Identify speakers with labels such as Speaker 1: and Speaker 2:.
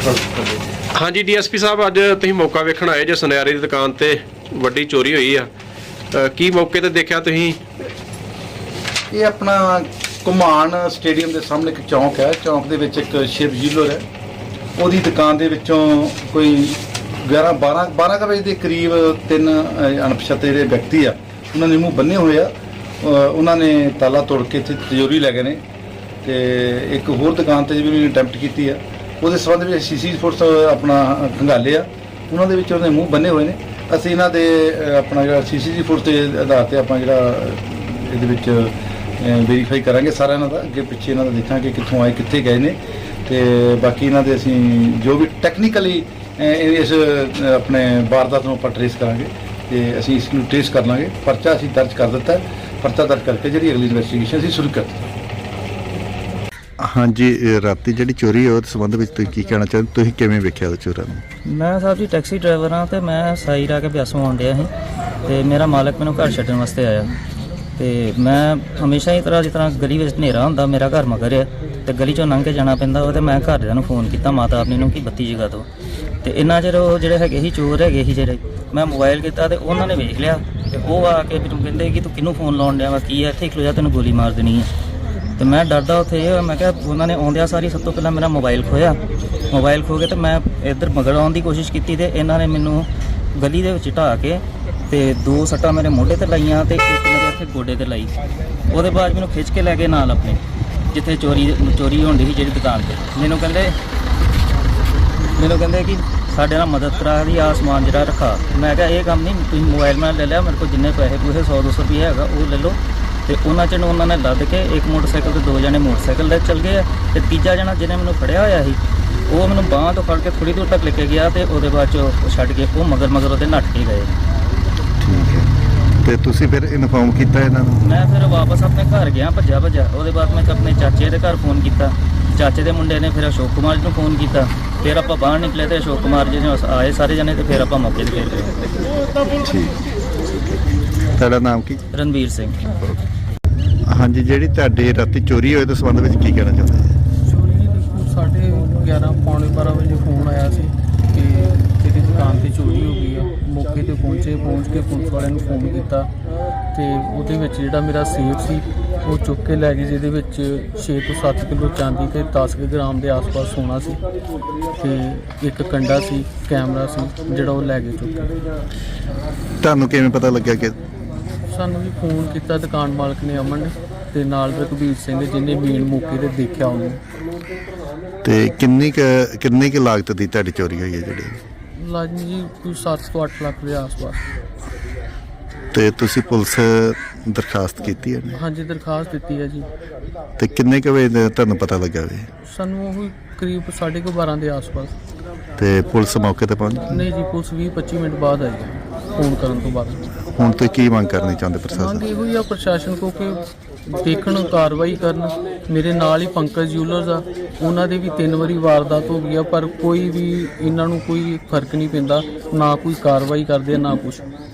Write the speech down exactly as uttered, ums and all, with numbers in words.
Speaker 1: हाँ G D S P साहब, अज तुसीं मौका वेखण आए जो सुनयारे की दुकान ते वड्डी चोरी हुई आ, की मौके ते देखिया तुसीं?
Speaker 2: ये अपना घुमान स्टेडियम के सामने एक चौंक है, चौंक दे विच एक शिव जिलर है, ਉਹਦੀ दुकान ਦੇ ਵਿੱਚੋਂ ਕੋਈ ग्यारह बारह बारह बजे के करीब तीन अणपछाते ਜਿਹੜੇ ਵਿਅਕਤੀ ਆ ਉਹਨਾਂ ਨੇ ਮੂੰਹ ਬੰਨੇ ਹੋਏ ਆ, ਉਹਨਾਂ ਨੇ ਤਾਲਾ ਤੋੜ ਕੇ ਇੱਥੇ ਤਿਜੋਰੀ ਲੈ ਗਏ ਨੇ ਤੇ ਇੱਕ ਹੋਰ ਦੁਕਾਨ ਤੇ ਵੀ ਅਟੈਂਪਟ ਕੀਤੀ ਆ। ਉਹਦੇ ਸੰਬੰਧ ਵਿੱਚ ਸੀਸੀ ਫੋਰਸ ਆਪਣਾ ਖੰਗਾਲੇ ਆ, ਉਹਨਾਂ ਦੇ ਵਿੱਚ ਉਹਦੇ ਮੂੰਹ ਬੰਨੇ ਹੋਏ ਨੇ। ਅਸੀਂ ਇਹਨਾਂ ਦੇ ਆਪਣਾ ਜਿਹੜਾ ਸੀਸੀ ਫੋਰਸ ਦੇ ਆਧਾਰ ਤੇ ਆਪਾਂ ਜਿਹੜਾ ਇਹਦੇ ਵਿੱਚ ਵੈਰੀਫਾਈ ਕਰਾਂਗੇ ਸਾਰਾ ਇਹਨਾਂ ਦਾ, ਅੱਗੇ ਪਿੱਛੇ ਇਹਨਾਂ ਦਾ ਦੇਖਾਂਗੇ ਕਿੱਥੋਂ ਆਏ ਕਿੱਥੇ ਗਏ ਨੇ ਤੇ ਬਾਕੀ ਇਹਨਾਂ ਦੇ ਅਸੀਂ ਜੋ ਵੀ ਟੈਕਨੀਕਲੀ ਇਸ ਆਪਣੇ ਵਾਰਦਾਤ ਨੂੰ ਆਪਾਂ ਟਰੇਸ ਕਰਾਂਗੇ ਤੇ ਅਸੀਂ ਇਸ ਨੂੰ ਟਰੇਸ ਕਰ ਲਾਂਗੇ। ਪਰਚਾ ਅਸੀਂ ਦਰਜ ਕਰ ਦਿੱਤਾ, ਪਰਚਾ ਦਰਜ ਕਰਕੇ ਜਿਹੜੀ ਅਗਲੀ ਇਨਵੈਸਟੀਗੇਸ਼ਨ ਅਸੀਂ ਸ਼ੁਰੂ ਕਰ ਦਿੱਤੀ।
Speaker 3: हाँ जी, राती जी चोरी है उस संबंध में तुसीं की कहना चाहते, तुसीं किवें वेखिया चोरां नूं?
Speaker 4: मैं साहब जी टैक्सी ड्राइवर हाँ, तो मैं साई रा के ब्यासों आउण डिया ਸੀ ਤੇ ਮੇਰਾ ਮਾਲਕ ਮੈਨੂੰ ਘਰ ਛੱਡਣ ਵਾਸਤੇ ਆਇਆ ਤੇ ਮੈਂ ਹਮੇਸ਼ਾ ਹੀ ਤਰ੍ਹਾਂ ਜਿਸ ਤਰ੍ਹਾਂ ਗਲੀ ਵਿੱਚ ਹਨੇਰਾ ਹੁੰਦਾ, ਮੇਰਾ ਘਰ ਮਗਰ ਹੈ ਤੇ ਗਲੀ ਚੋਂ ਲੰਘ ਕੇ ਜਾਣਾ ਪੈਂਦਾ ਉਹ, ਤੇ ਮੈਂ ਘਰਦਿਆਂ ਨੂੰ ਫੋਨ ਕੀਤਾ ਮਾਤਾ ਆਪਣੀ ਨੂੰ ਕਿ ਬੱਤੀ ਜਗਾ ਦਿਓ ਤੇ ਇੰਨਾ ਚਿਰ ਉਹ ਜਿਹੜੇ ਹੈਗੇ ਸੀ ਚੋਰ ਹੈਗੇ ਸੀ ਜਿਹੜੇ, ਮੈਂ ਮੋਬਾਈਲ ਕੀਤਾ ਤੇ ਉਹਨਾਂ ਨੇ ਵੇਖ ਲਿਆ ਤੇ ਉਹ ਆ ਕੇ ਮੈਨੂੰ ਕਹਿੰਦੇ ਕਿ ਤੂੰ ਕਿਹਨੂੰ ਫੋਨ ਲਾਉਣ ਡਿਆ ਵਾ, ਕੀ ਹੈ ਇੱਥੇ ਖਲੋ ਜਾ, ਤੈਨੂੰ ਗੋਲੀ ਮਾਰ ਦੇਣੀ ਹੈ। ਤੇ ਮੈਂ ਡਰਦਾ ਉੱਥੇ ਇਹ ਮੈਂ ਕਿਹਾ, ਉਹਨਾਂ ਨੇ ਆਉਂਦਿਆਂ ਸਾਰੀ ਸਭ ਤੋਂ ਪਹਿਲਾਂ ਮੇਰਾ ਮੋਬਾਈਲ ਖੋਇਆ, ਮੋਬਾਈਲ ਖੋ ਕੇ ਤੇ ਮੈਂ ਇੱਧਰ ਮਗਰ ਆਉਣ ਦੀ ਕੋਸ਼ਿਸ਼ ਕੀਤੀ ਤੇ ਇਹਨਾਂ ਨੇ ਮੈਨੂੰ ਗਲੀ ਦੇ ਵਿੱਚ ਢਾਹ ਕੇ ਤੇ ਦੋ ਸੱਟਾਂ ਮੇਰੇ ਮੋਢੇ ਤੇ ਲਾਈਆਂ ਤੇ ਇੱਕ ਮੇਰੇ ਇੱਥੇ ਗੋਡੇ ਤੇ ਲਾਈ। ਉਹਦੇ ਬਾਅਦ ਮੈਨੂੰ ਖਿੱਚ ਕੇ ਲੈ ਗਏ ਨਾਲ ਆਪਣੇ ਜਿੱਥੇ ਚੋਰੀ ਚੋਰੀ ਹੋਣ ਦੀ ਸੀ ਜਿਹੜੀ ਦੁਕਾਨ ਤੇ। ਮੈਨੂੰ ਕਹਿੰਦੇ ਮੈਨੂੰ ਕਹਿੰਦੇ ਕਿ ਸਾਡੇ ਨਾਲ ਮਦਦ ਕਰਾ ਦੀ, ਆ ਸਮਾਨ ਜਿਹੜਾ ਰੱਖਾ। ਮੈਂ ਕਿਹਾ ਇਹ ਕੰਮ ਨਹੀਂ, ਤੁਸੀਂ ਮੋਬਾਈਲ ਮੈਂ ਲੈ ਲਿਆ, ਮੇਰੇ ਕੋਲ ਜਿੰਨੇ ਪੈਸੇ ਪੂਸੇ ਸੌ ਦੋ ਸੌ ਰੁਪਏ ਹੈਗਾ ਉਹ ਲੈ ਲਓ। ਤੇ ਉਹਨਾਂ 'ਚ ਉਹਨਾਂ ਨੇ ਲੱਦ ਕੇ ਇੱਕ ਮੋਟਰਸਾਈਕਲ ਤੇ ਦੋ ਜਣੇ ਮੋਟਰਸਾਈਕਲ ਲੈ ਚੱਲ ਗਏ ਆ ਤੇ ਤੀਜਾ ਜਣਾ ਜਿਹਨੇ ਮੈਨੂੰ ਫੜਿਆ ਹੋਇਆ ਸੀ ਉਹ ਮੈਨੂੰ ਬਾਂਹ ਤੋਂ ਫੜ ਕੇ ਥੋੜ੍ਹੀ ਦੂਰ ਤੱਕ ਲੈ ਕੇ ਗਿਆ ਤੇ ਉਹਦੇ ਬਾਅਦ 'ਚ ਉਹ ਛੱਡ ਕੇ ਉਹ ਮਗਰ ਮਗਰ ਉਹਦੇ ਨੱਠ ਕੇ ਗਏ।
Speaker 3: ਠੀਕ ਹੈ, ਤੇ ਤੁਸੀਂ ਫਿਰ ਇਨਫੋਰਮ ਕੀਤਾ ਇਹਨਾਂ ਨੂੰ?
Speaker 4: ਮੈਂ ਫਿਰ ਵਾਪਸ ਆਪਣੇ ਘਰ ਗਿਆ ਭੱਜਾ ਭੱਜਾ। ਉਹਦੇ ਬਾਅਦ ਮੈਂ ਆਪਣੇ ਚਾਚੇ ਦੇ ਘਰ ਫੋਨ ਕੀਤਾ, ਚਾਚੇ ਦੇ ਮੁੰਡੇ ਨੇ ਫਿਰ ਅਸ਼ੋਕ ਕੁਮਾਰ ਜੀ ਨੂੰ ਫੋਨ ਕੀਤਾ, ਫਿਰ ਆਪਾਂ ਬਾਹਰ ਨਿਕਲੇ ਤੇ ਅਸ਼ੋਕ ਕੁਮਾਰ ਜੀ ਨੇ ਆਏ ਸਾਰੇ ਜਣੇ ਤੇ ਫਿਰ ਆਪਾਂ ਮੌਕੇ 'ਤੇ ਫਿਰ ਗਏ।
Speaker 3: ਠੀਕ, ਤੁਹਾਡਾ ਨਾਮ ਕੀ?
Speaker 4: ਰਣਵੀਰ ਸਿੰਘ।
Speaker 3: ਹਾਂਜੀ, ਜਿਹੜੀ ਤੁਹਾਡੇ ਰਾਤੀ ਚੋਰੀ ਹੋਈ ਉਸ ਸੰਬੰਧ ਵਿੱਚ ਕੀ ਕਹਿਣਾ ਚਾਹੁੰਦੇ?
Speaker 5: ਚੋਰੀ ਦੇਖੋ ਸਾਢੇ ਗਿਆਰਾਂ ਪੌਣੇ ਬਾਰਾਂ ਵਜੇ ਫੋਨ ਆਇਆ ਸੀ ਕਿ ਤੇਰੀ ਦੁਕਾਨ ਤੇ ਚੋਰੀ ਹੋ ਗਈ ਆ। ਮੌਕੇ ਤੇ ਪਹੁੰਚੇ, ਪਹੁੰਚ ਕੇ ਪੁਲਿਸ ਵਾਲਿਆਂ ਨੂੰ ਫੋਨ ਕੀਤਾ ਤੇ ਉਹਦੇ ਵਿੱਚ ਜਿਹੜਾ ਮੇਰਾ ਸੇਫ ਸੀ ਉਹ ਚੁੱਕ ਕੇ ਲੈ ਗਏ, ਜਿਹਦੇ ਵਿੱਚ ਛੇ ਤੋਂ ਸੱਤ ਕਿਲੋ ਚਾਂਦੀ ਤੇ ਦਸ ਗ੍ਰਾਮ ਦੇ ਆਸ-ਪਾਸ ਸੋਨਾ ਸੀ ਤੇ ਇੱਕ ਕੰਡਾ ਸੀ, ਕੈਮਰਾ ਸੀ ਜਿਹੜਾ ਉਹ ਲੈ ਗਏ ਚੁੱਕ ਕੇ।
Speaker 3: ਤੁਹਾਨੂੰ ਕਿਵੇਂ ਪਤਾ ਲੱਗਿਆ ਕਿ?
Speaker 5: ਸਾਨੂੰ ਵੀ ਫੋਨ ਕੀਤਾ ਦੁਕਾਨ ਮਾਲਕ ਨੇ, ਅਮਨ ਨੇ, ਤੇ ਨਾਲ ਰਘਬੀਰ ਸਿੰਘ ਜਿਹਨੇ ਮੇਨ ਮੌਕੇ ਤੇ ਦੇਖਿਆ ਉਹਨੂੰ।
Speaker 3: ਤੇ ਕਿੰਨੀ ਕੁ ਕਿੰਨੀ ਕੁ ਲਾਗਤ ਦੀ ਤੁਹਾਡੀ ਚੋਰੀ ਹੋਈ ਹੈ ਜਿਹੜੀ?
Speaker 5: ਲਾਜ਼ਮੀ ਜੀ ਕੋਈ ਸੱਤ ਤੋਂ ਅੱਠ ਲੱਖ ਦੇ ਆਸ-ਪਾਸ।
Speaker 3: ਤੇ ਤੁਸੀਂ ਪੁਲਿਸ ਦਰਖਾਸਤ ਕੀਤੀ ਹੈ?
Speaker 5: ਹਾਂਜੀ, ਦਰਖਾਸਤ ਦਿੱਤੀ ਹੈ ਜੀ।
Speaker 3: ਤੇ ਕਿੰਨੇ ਕੁ ਵਜੇ ਤੁਹਾਨੂੰ ਪਤਾ ਲੱਗਾ ਵੀ?
Speaker 5: ਸਾਨੂੰ ਉਹ ਕਰੀਬ ਸਾਢੇ ਕੁ ਬਾਰਾਂ ਦੇ ਆਸ-ਪਾਸ।
Speaker 3: ਤੇ ਪੁਲਿਸ ਮੌਕੇ ਤੇ ਪਹੁੰਚ ਗਈ?
Speaker 5: ਨਹੀਂ ਜੀ, ਪੁਲਿਸ ਵੀਹ ਪੱਚੀ ਮਿੰਟ ਬਾਅਦ ਆਈ ਫੋਨ ਕਰਨ ਤੋਂ ਬਾਅਦ।
Speaker 3: ਹੁਣ ਤੁਸੀਂ ਕੀ ਮੰਗ ਕਰਨੀ ਚਾਹੁੰਦੇ ਪ੍ਰਸ਼ਾਸਨ?
Speaker 5: ਮੰਗ ਇਹੋ ਹੀ ਆ ਪ੍ਰਸ਼ਾਸਨ ਕੋ ਕਿ ਦੇਖਣ, ਕਾਰਵਾਈ ਕਰਨ। ਮੇਰੇ ਨਾਲ ਹੀ ਪੰਕਜ ਜਿਊਲਰਸ ਆ, ਉਹਨਾਂ ਦੇ ਵੀ ਤਿੰਨ ਵਾਰੀ ਵਾਰਦਾਤ ਹੋ ਗਈ ਆ ਪਰ ਕੋਈ ਵੀ ਇਹਨਾਂ ਨੂੰ ਕੋਈ ਫਰਕ ਨਹੀਂ ਪੈਂਦਾ, ਨਾ ਕੋਈ ਕਾਰਵਾਈ ਕਰਦੇ ਨਾ ਕੁਛ।